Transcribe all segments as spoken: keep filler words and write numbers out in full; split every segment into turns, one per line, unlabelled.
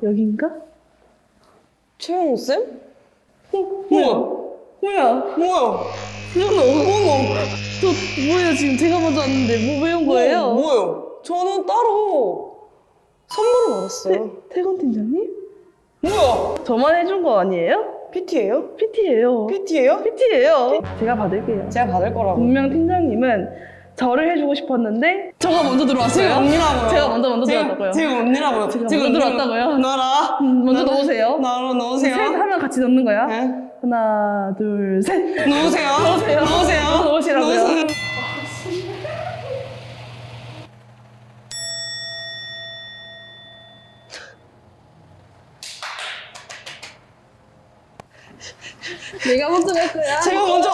여긴가?
최영우 쌤?
어, 뭐야? 뭐야?
뭐야?
수연아, 어머, 저 뭐예요? 지금 제가 먼저 왔는데 뭐 배운 거예요?
뭐, 뭐요? 저는 따로 선물을 받았어요.
태건 팀장님?
뭐야?
저만 해준 거 아니에요?
피티예요?
피티예요.
피티예요?
피티예요. 제가 받을게요.
제가 받을 거라고.
분명 팀장님은 저를 해주고 싶었는데 저가 먼저 들어왔어요.
제가 언니라고요.
제가 먼저 먼저
제가,
들어왔다고요.
제가 언니라고요.
제가 먼저 들어왔다고요.
나라.
음, 먼저 넣으세요.
나로 넣으세요.
셋 하면 같이 넣는 거야.
네.
하나, 둘, 셋.
넣으세요.
넣으세요.
넣으세요.
넣으시라고요.
넣으세요.
내가 먼저 갈 거야.
제가 먼저.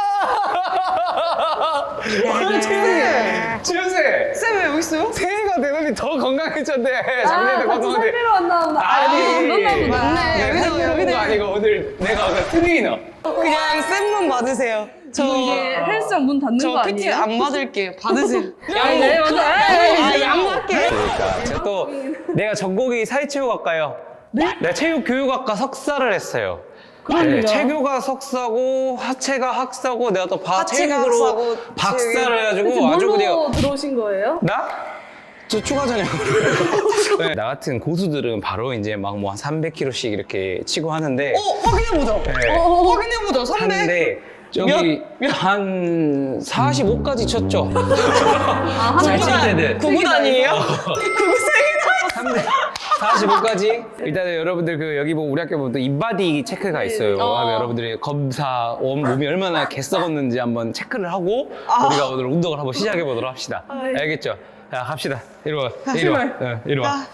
아니, 쌤! 주연쌤!
쌤 왜 여기 있어요?
새해가 되더니 더 건강해졌네.
아,
작년에
같이
건강한데.
살빼러 왔나 보다. 아, 여기서 만났나 보다.
네,
여기서
여기서,
여기서
여기서.
아니고 오늘 내가 오늘 트레이너.
그냥 쌤만 받으세요. 저
이게 헬스장 문 닫는 거
저 피티
아니에요?
안 받을게요. 받으세요.
아니, 네, 먼저.
아, 양보할게.
그러니까 제가 또 내가 전공이 사회체육학과요.
네?
내가 체육교육학과 석사를 했어요.
그럼요.
네, 체교가 석사고 하체가 학사고 내가 또 바,
하체가
체육으로
학사고
박사를 해가지고
대체
아주 그냥
뭘로 들어오신 거예요?
나? 저 추가 전형으로. 네, 나 같은 고수들은 바로 이제 막 뭐 한 삼백 킬로그램씩 이렇게 치고 하는데
어, 확인해보자.
네.
어, 확인해보자. 삼백.
하는데 저기 한 사십오까지 쳤죠.
아,
잘
한
칠 때는.
구구단이에요? 구구생이다.
사십오까지 일단은 여러분들 그 여기 보면 우리 학교 보면 또 인바디 체크가 있어요.
어.
하면 여러분들이 검사 몸- 몸이 얼마나 개썩었는지 한번 체크를 하고
아.
우리가 오늘 운동을 한번 시작해 보도록 합시다.
예.
알겠죠? 자 갑시다. 이리 와. 이리 와.
출발.
어, 이리 와.
아.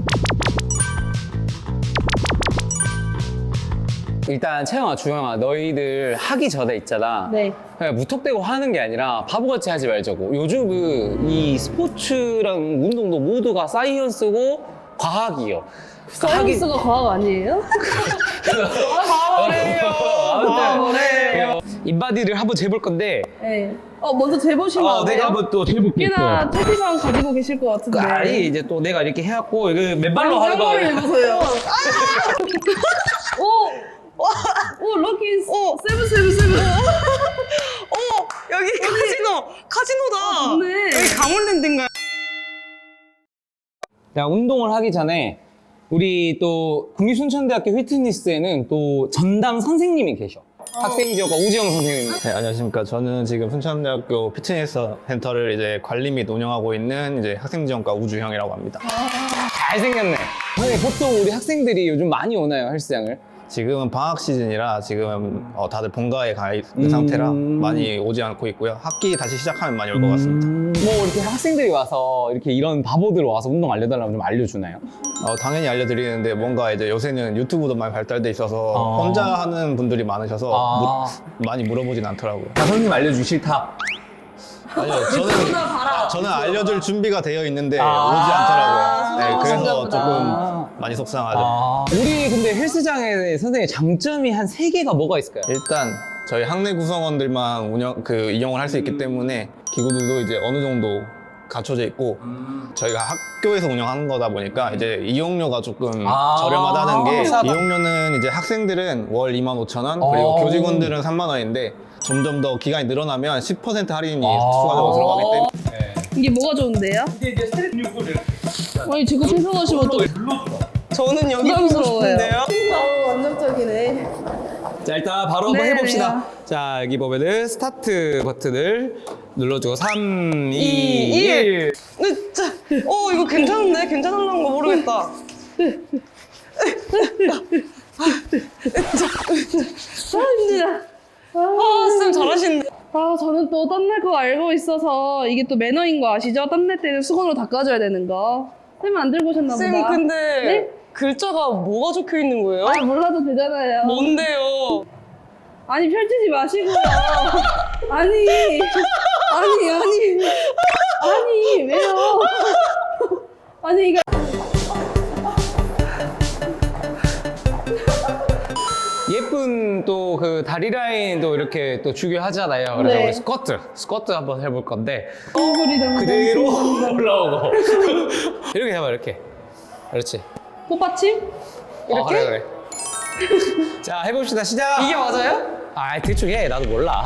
일단 채영아, 주영아, 너희들 하기 전에 있잖아.
네.
그냥 무턱대고 하는 게 아니라 바보같이 하지 말자고. 요즘은 이 스포츠랑 운동도 모두가 사이언스고 과학이요.
사이언스가 과학 아니에요?
바보래요. 바보래요.
인바디를 한번 재볼 건데
네. 어, 먼저 재보시면
어,
안 돼요?
내가 한번 또 재볼게.
꽤나 체지방 가지고 계실 것 같은데.
아니 이제 또 내가 이렇게 해갖고 이거 맨발로 하는 거
를
아니야?
해보세요. 오! 오, 럭키
오.
세븐 세븐 세븐.
어머, 여기 카지노. 카지노다.
좋네.
여기 가물랜드인가요?
자, 운동을 하기 전에 우리 또 국립순천대학교 휘트니스에는 또 전담 선생님이 계셔. 학생지원과 우지영 선생님.
네, 안녕하십니까. 저는 지금 순천대학교 피트니스 센터를 이제 관리 및 운영하고 있는 이제 학생지원과 우주형이라고 합니다.
잘생겼네. 선생님, 보통 우리 학생들이 요즘 많이 오나요, 헬스장을?
지금은 방학 시즌이라 지금 어, 다들 본가에 가 있는
음.
상태라 많이 오지 않고 있고요. 학기 다시 시작하면 많이 올 것 같습니다.
뭐 이렇게 학생들이 와서 이렇게 이런 바보들 와서 운동 알려달라면 좀 알려주나요?
어, 당연히 알려드리는데 뭔가 이제 요새는 유튜브도 많이 발달돼 있어서
아.
혼자 하는 분들이 많으셔서
아.
무- 많이 물어보진 않더라고요.
자, 선생님 알려주기 싫다.
아니요, 저는,
봐라.
저는 알려줄 준비가 되어 있는데
아.
오지 않더라고요. 네, 그래서
그런가 보다.
조금 많이 속상하죠.
아, 우리 근데 헬스장에 선생님 장점이 한 세 개가 뭐가 있을까요?
일단 저희 학내 구성원들만 운영 그 이용을 할 수 있기 때문에 기구들도 이제 어느 정도 갖춰져 있고 저희가 학교에서 운영하는 거다 보니까 이제 이용료가 조금
아.
저렴하다는 게
싸다.
이용료는 이제 학생들은 월 이만 오천 원 그리고
어.
교직원들은 삼만 원인데 점점 더 기간이 늘어나면 십 퍼센트 할인이
아.
추가적으로 들어가기 때문에
이게 뭐가 좋은데요?
이게 이제 스트레칭
아니 지금 생각하시면 또
저는 여기 보고
부담스러워요.
싶은데요.
어, 완전적이네.
자, 일단 바로 한번
네,
해봅시다. 자, 여기 보면은 스타트 버튼을 눌러주고 삼, 이,
이,
일.
근데 자, 어, 이거 괜찮은데? 괜찮을란 거 모르겠다.
아 힘들다.
아, 쌤 잘하시는데.
아 저는 또 땀날 거 알고 있어서 이게 또 매너인 거 아시죠? 땀날 때는 수건으로 닦아줘야 되는 거. 쌤은 안 들고 오셨나 보다.
쌤, 근데
네?
글자가 뭐가 적혀 있는 거예요?
아 몰라도 되잖아요.
뭔데요?
아니 펼치지 마시고요. 아니 아니 아니 아니 왜요? 아니 이거
예쁜 또 그 다리 라인도 이렇게 또 중요하잖아요. 그래서
네.
우리 스쿼트, 스쿼트 한번 해볼 건데
얼굴이 너무
그대로 올라오고 이렇게 해봐, 이렇게. 그렇지.
꽃받침?
어, 그래 그래. 자 해봅시다 시작.
이게 맞아요?
아 대충 해 나도 몰라.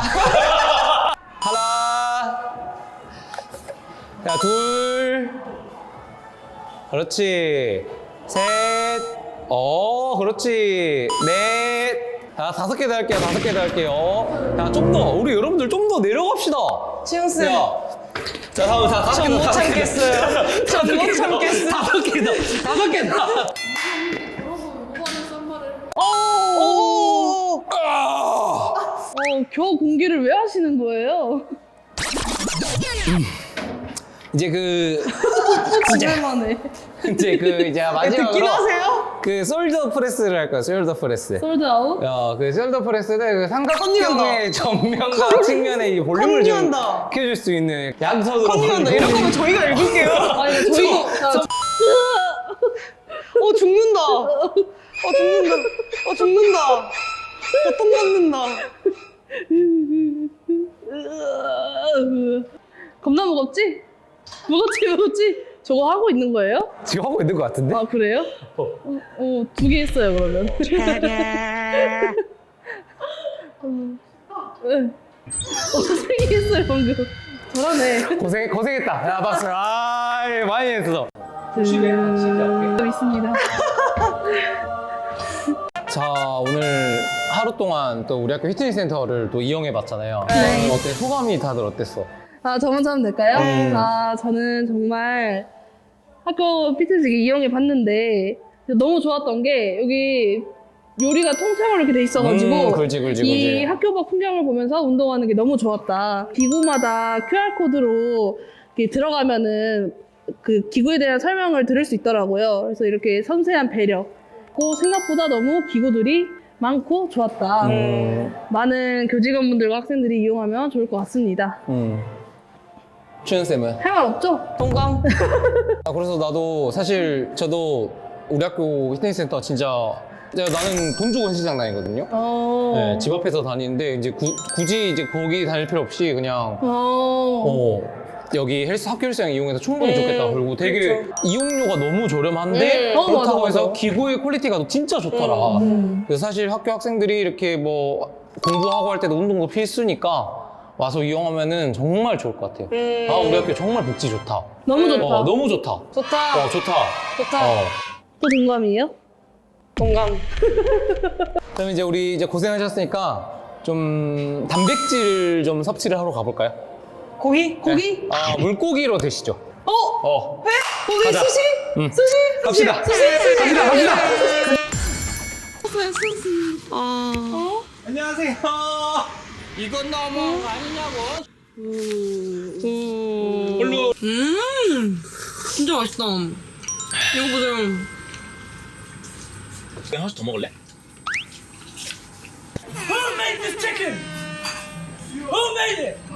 하나. 자둘. 그렇지. 셋. 어 그렇지. 넷. 자 다섯 개 더 할게요. 다섯 개 더 할게요. 자좀 더 우리 여러분들 좀 더 내려갑시다.
시영쌤.
야. 자 다음 다 다섯 개
전
더.
못
다섯 개 더.
참겠어요. 전 못 참겠어요.
다섯 개 더. 다섯 개 더.
오!
아!
어, 겨우 공기를 왜 하시는 거예요?
이제 그
오랜만에.
이제 그 이제 마지막으로
듣긴 하세요?
그 솔더 프레스를 할 거야. 솔더 프레스.
솔드 아웃?
야, 그 숄더 프레스는 그 삼각형의
컨닝한다.
정면과 측면의 이 볼륨을 좀
컨닝한다.
키워줄 수 있는 양손으로.
컨닝한다. 이럴 거면 저희가 읽을게요.
아니, 저희도. 자,
어, 죽는다. 어, 죽는다. 어, 죽는다. 어, 똥 맞는다.
겁나 무겁지? 무겁지, 무겁지? 저거 하고 있는 거예요?
지금 하고 있는 것 같은데?
아, 그래요? 어, 어, 두 개 했어요, 그러면. 어, 네. 어, 세 개 했어요, 방금. 잘하네.
고생, 고생했다. 야, 박수. 아, 많이 했어.
음, 있습니다.
자, 오늘 하루 동안 또 우리 학교 피트니스 센터를 또 이용해 봤잖아요.
네.
어때? 소감이 다들 어땠어?
아, 저 먼저 하면 될까요?
음.
아, 저는 정말 학교 피트니스 이용해 봤는데 너무 좋았던 게 여기 요리가 통째로 이렇게 돼 있어가지고
음, 그렇지, 그렇지,
이
그렇지.
학교 밖 풍경을 보면서 운동하는 게 너무 좋았다. 기구마다 큐알코드로 이렇게 들어가면은 그 기구에 대한 설명을 들을 수 있더라고요. 그래서 이렇게 섬세한 배려. 그 생각보다 너무 기구들이 많고 좋았다.
음,
많은 교직원분들과 학생들이 이용하면 좋을 것 같습니다.
음. 추현쌤은?
할 말 없죠?
동감.
아, 그래서 나도 사실 저도 우리 학교 피트니스 센터 진짜 내가 나는 돈 주고 헬스장 다니거든요.
어.
네, 집 앞에서 다니는데 이제 구, 굳이 이제 거기 다닐 필요 없이 그냥
어.
어, 여기 헬스 학교 헬스장 이용해서 충분히
음,
좋겠다. 그리고 되게
그렇죠.
이용료가 너무 저렴한데
음, 어,
그렇다고
맞아,
해서
맞아.
기구의 퀄리티가 진짜 좋더라.
음.
그래서 사실 학교 학생들이 이렇게 뭐 공부하고 할 때도 운동도 필수니까 와서 이용하면은 정말 좋을 것 같아요.
음.
아 우리 학교 정말 복지 좋다.
너무 좋다.
어, 너무 좋다.
좋다.
어 좋다.
좋다.
어.
또 동감이에요?
동감.
그럼 이제 우리 이제 고생하셨으니까 좀 단백질 좀 섭취를 하러 가볼까요?
고기?
고기?
아 물고기로 드시죠.
어?
어.
회? 고기?
가자.
수시?
응.
수시?
갑시다.
수시? 수시?
갑시다. 갑시다.
아.
안녕하세요. 이건 너무 아니냐고.
음. 음. 진짜 맛있다. 이거 보세요.
그냥 하나씩 더 먹을래? Who made this chicken? Who made it?